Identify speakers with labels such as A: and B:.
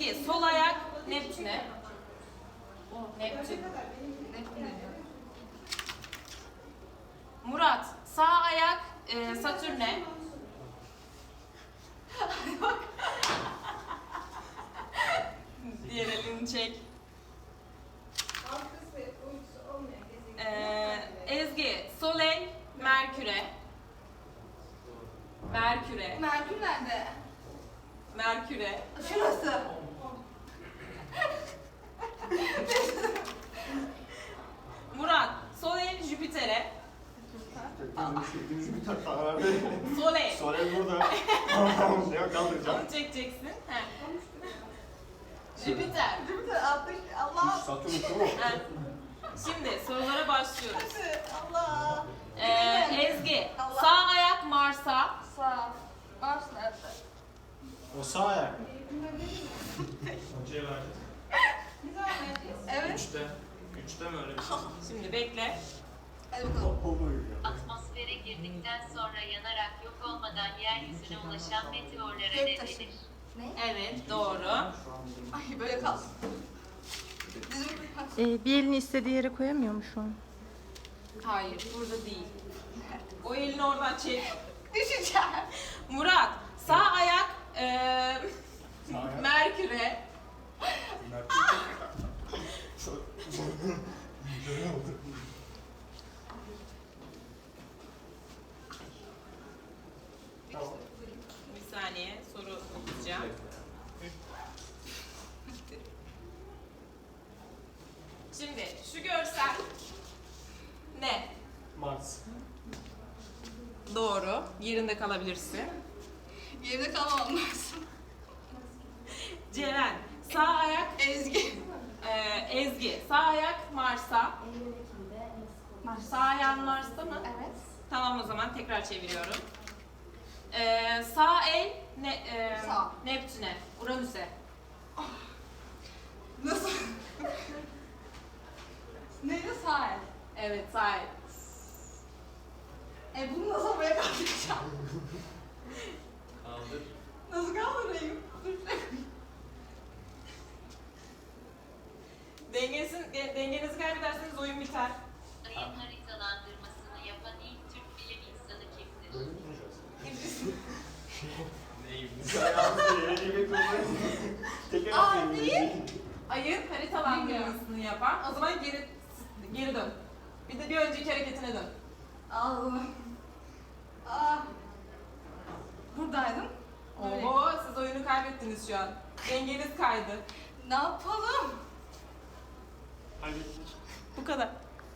A: Ezgi sol ayak Neptün'e. Neptün. Murat sağ ayak Satürn'e. Diğer elini çek. Ezgi sol el Merkür'e. Merkür'e.
B: Merkür nerede?
A: Merkür'e.
B: Şurası.
A: Murat sol el Jüpiter'e.
C: Jüpiter karar
A: Sol el.
C: Sorel burada. Ne kaldıracağım?
A: Onu çekeceksin. He. Jüpiter.
B: Jüpiter 60. Allah.
C: Satürn tamam.
A: He. Şimdi sorulara başlıyoruz.
B: Allah.
A: Ezgi
B: Allah.
A: sağ ayak Mars'a.
B: Sağ. Mars nerede?
C: O sağ ayak. Hocaya verdik.
B: Ne zaman vereceğiz? Evet.
C: 3'te mi öyle bir şey?
A: Şimdi bekle.
B: Hadi bakalım.
D: Atmosfere girdikten sonra yanarak yok olmadan yeryüzüne ulaşan meteorlara ne
B: Göktaşı.
D: denir?
B: Ne?
A: Evet doğru.
B: Ay böyle kal.
E: Bir elini istediği yere koyamıyor mu şu an?
A: Hayır burada değil. O elini oradan çek.
B: Düşeceğim.
A: Murat sağ ayak
C: Sağ ayak.
A: Merkür'e. Bir saniye soru okuyacağım. Şimdi şu görsel ne?
C: Mars.
A: Doğru. Yerinde kalabilirsin.
B: Yerimde kalmamam lazım.
A: Ceren sağ ayak
B: Ezgi.
A: Ezgi sağ ayak Mars'a. Sağ ayağın Mars'ta mı?
B: Evet.
A: Tamam o zaman tekrar çeviriyorum. Sağ el
B: Sağ.
A: Neptün'e, Uranüs'e.
B: Nasıl? Neydi sağ el?
A: Evet sağ el.
B: Bunu nasıl buraya kaldıracağım?
C: Kaldır.
B: Nasıl kaldırayım?
A: Dengenizi kaybederseniz oyun biter.
D: Ayın haritalandırmasını yapan ilk Türk bilim insanı kimdir?
C: Böyle mi duracağız? Neymiş? Ayağımızda yere yemek olmayı. Tekrar atlayalım.
B: değil.
A: Ayın haritalandırmasını yapan. O zaman geri dön. Bir önceki hareketine dön.
B: Allah'ım. Buradaydım. Böyle.
A: Oo siz oyunu kaybettiniz şu an. Dengeniz kaydı.
B: Ne yapalım?
C: Hadi.
A: Bu kadar.